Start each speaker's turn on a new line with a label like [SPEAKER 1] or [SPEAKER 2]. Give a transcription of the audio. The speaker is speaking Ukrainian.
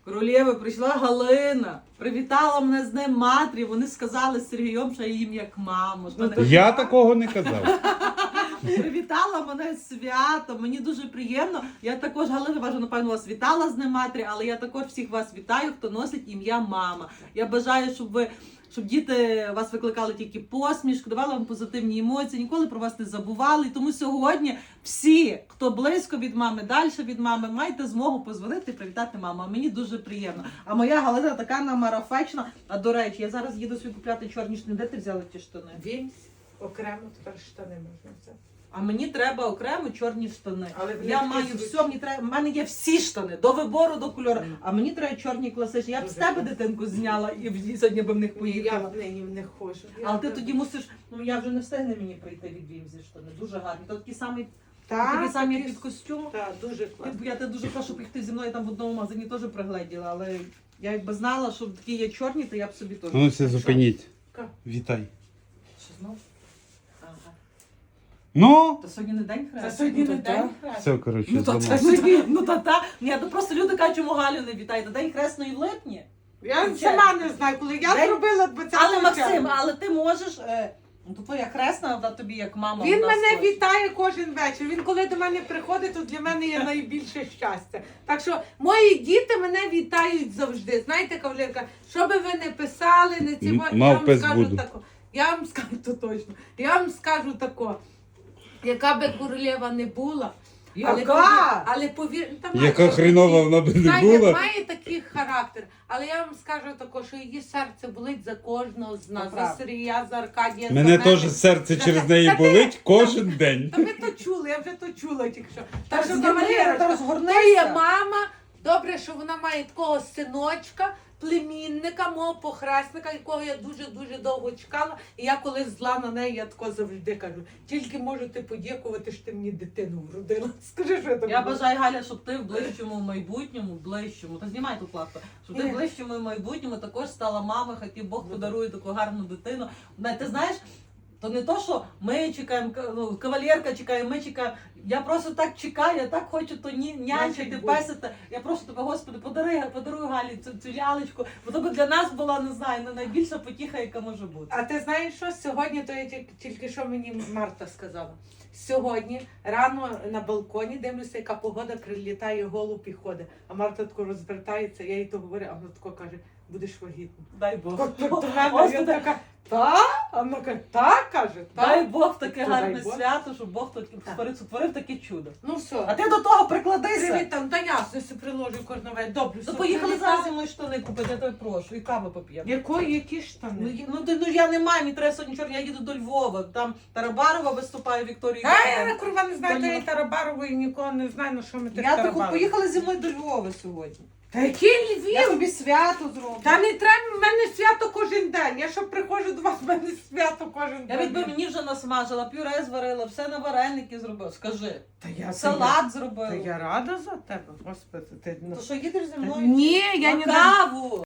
[SPEAKER 1] Королєви, прийшла Галина, привітала мене з Днем Матері, вони сказали з Сергієм, що я їм як маму.
[SPEAKER 2] Я такого не казав.
[SPEAKER 1] Привітала мене з святом, мені дуже приємно. Я також, Галина, ваша, напевно, вас вітала з Днем Матері, але я також всіх вас вітаю, хто носить ім'я мама. Я бажаю, щоб діти вас викликали тільки посмішку, давали вам позитивні емоції, ніколи про вас не забували. І тому сьогодні всі, хто близько від мами, далі від мами, маєте змогу позвонити і привітати маму. А мені дуже приємно. А моя Галина така намарафечна. А до речі, я зараз їду собі купляти чорні штани. Де ти взяла ті штани?
[SPEAKER 3] Вінсь, окремо тепер штани можна взяти.
[SPEAKER 1] А мені треба окремо чорні штани.
[SPEAKER 3] Але
[SPEAKER 1] Я
[SPEAKER 3] вони
[SPEAKER 1] маю
[SPEAKER 3] такі
[SPEAKER 1] все, мені треба. В мене є всі штани, до вибору, до кольору. А мені треба чорні класичні. Я б з
[SPEAKER 3] Дуже
[SPEAKER 1] тебе
[SPEAKER 3] класно.
[SPEAKER 1] дитинку зняла і сьогодні б в них
[SPEAKER 3] Я
[SPEAKER 1] поїхала.
[SPEAKER 3] в неї не ходжу.
[SPEAKER 1] Але ти тоді мусиш, ну я вже не встигне мені прийти від Вімзі штани. Дуже гарні. То такі самі, такі самі як під костюм.
[SPEAKER 3] Так, дуже класно.
[SPEAKER 1] Я тебе дуже прошу, щоб їх ти зі мною там в одному магазині теж пригледіла, але я якби знала, що такі є чорні, то я б собі теж.
[SPEAKER 2] Ну, все, зупиніть.
[SPEAKER 3] Що?
[SPEAKER 2] Вітай.
[SPEAKER 1] Що знов? Ага.
[SPEAKER 2] Ну,
[SPEAKER 1] То сьогодні не день хресту.
[SPEAKER 3] Це сьогодні не
[SPEAKER 1] Ну, то
[SPEAKER 3] день
[SPEAKER 1] та.
[SPEAKER 3] хресту.
[SPEAKER 2] все, коротше,
[SPEAKER 1] Ну то
[SPEAKER 2] зламав.
[SPEAKER 1] та. Ні, то просто люди кажуть, чому Галю не вітаєте. День хресної в липні.
[SPEAKER 3] Я сама не знаю, коли я
[SPEAKER 1] День-
[SPEAKER 3] зробила 20
[SPEAKER 1] Але Максим, але ти можеш. Ну то твоя хресна, вона тобі як мама.
[SPEAKER 3] Він
[SPEAKER 1] вона
[SPEAKER 3] мене
[SPEAKER 1] схожа.
[SPEAKER 3] вітає кожен вечір. Він коли до мене приходить, то для мене є найбільше щастя. Так що мої діти мене вітають завжди. Знаєте, кавалерка, що би ви не писали, не ці я
[SPEAKER 2] Мав
[SPEAKER 3] вам
[SPEAKER 2] пес
[SPEAKER 3] скажу
[SPEAKER 2] буду.
[SPEAKER 3] тако. Я вам скажу то точно. Я вам скажу тако. Яка би королева не була,
[SPEAKER 1] Яка?
[SPEAKER 3] але повір, та має
[SPEAKER 2] Яка
[SPEAKER 3] такий-
[SPEAKER 2] хрінова вона би не
[SPEAKER 3] знаєте,
[SPEAKER 2] була.
[SPEAKER 3] має такий характер. Але я вам скажу тако, що її серце болить за кожного з нас. За
[SPEAKER 1] Правда.
[SPEAKER 3] Сергія, за Аркадія,
[SPEAKER 2] Мене
[SPEAKER 3] за
[SPEAKER 2] теж серце
[SPEAKER 3] Та-
[SPEAKER 2] через
[SPEAKER 3] та-
[SPEAKER 2] неї
[SPEAKER 3] та ти-
[SPEAKER 2] болить кожен день.
[SPEAKER 3] Та ви то чули, я вже то чула тільки що. Так що,
[SPEAKER 1] Кавалерка,
[SPEAKER 3] кавалерочка,
[SPEAKER 1] розгорнися.
[SPEAKER 3] то є мама. Добре, що вона має такого синочка, племінника, мого похресника, якого я дуже-дуже довго чекала. І я коли зла на неї, я тако завжди кажу, тільки можете подякувати, що ти мені дитину вродила. Скажи, що я тобі
[SPEAKER 1] Я
[SPEAKER 3] буду.
[SPEAKER 1] бажаю, Галя, щоб ти в ближчому майбутньому, та знімай ту плату, щоб ти в ближчому майбутньому також стала мамою, хай тобі Бог подарує таку гарну дитину. Ти знаєш, то не то, що ми чекаємо, ну, кавалерка чекає, ми чекаємо. Я просто так чекаю, я так хочу то нянчити,
[SPEAKER 3] Значить, буде.
[SPEAKER 1] песити. Я прошу тебе, Господи, подаруй Галі цю лялечку, бо то би для нас була, не знаю, найбільша потіха, яка може бути.
[SPEAKER 3] А ти знаєш що? Сьогодні, то я тільки що мені Марта сказала. Сьогодні рано на балконі дивлюся, яка погода, прилітає голуб і ходить. А Марта тако розвертається, я їй то говорю, а вона тако каже, будеш вагітна.
[SPEAKER 1] Дай Бог.
[SPEAKER 3] От до мене я
[SPEAKER 1] Господи,
[SPEAKER 3] така, та? А вона каже, так, каже,
[SPEAKER 1] дай
[SPEAKER 3] так.
[SPEAKER 1] Бог таке
[SPEAKER 3] То
[SPEAKER 1] гарне
[SPEAKER 3] дай Бог.
[SPEAKER 1] свято, щоб Бог сотворив таке чудо.
[SPEAKER 3] Ну
[SPEAKER 1] А
[SPEAKER 3] все.
[SPEAKER 1] ти до того прикладися.
[SPEAKER 3] Привіт там, та ясно, все приложу кожного вечора. Добре,
[SPEAKER 1] То
[SPEAKER 3] все.
[SPEAKER 1] поїхали
[SPEAKER 3] привітала.
[SPEAKER 1] зараз зі мною штани купити, я тебе прошу, і каву поп'ємо.
[SPEAKER 3] Які
[SPEAKER 1] Ну,
[SPEAKER 3] штани?
[SPEAKER 1] ну я не маю, мені треба сьогодні чорні, я їду до Львова, там Тарабарова виступає Вікторія.
[SPEAKER 3] А я курва не знаю,
[SPEAKER 1] Та
[SPEAKER 3] то
[SPEAKER 1] ні.
[SPEAKER 3] і Тарабарової нікого не знаю, на що ми тих
[SPEAKER 1] Я таку
[SPEAKER 3] Тарабарових.
[SPEAKER 1] поїхали зі мною до Львова сьогодні.
[SPEAKER 3] Та який
[SPEAKER 1] Я
[SPEAKER 3] Львів?
[SPEAKER 1] тобі свято зроблю.
[SPEAKER 3] Та не треба, в мене свято кожен день. Я що приходжу до вас, в мене свято кожен
[SPEAKER 1] Я
[SPEAKER 3] день.
[SPEAKER 1] відби мені вже насмажила, пюре зварила, все на вареники зробила. Скажи,
[SPEAKER 3] Та я
[SPEAKER 1] салат
[SPEAKER 3] Та
[SPEAKER 1] зробила.
[SPEAKER 3] я рада за тебе, господи. Ти...
[SPEAKER 1] То що їдеш зі мною?
[SPEAKER 3] Ні, я
[SPEAKER 1] На
[SPEAKER 3] не
[SPEAKER 1] каву.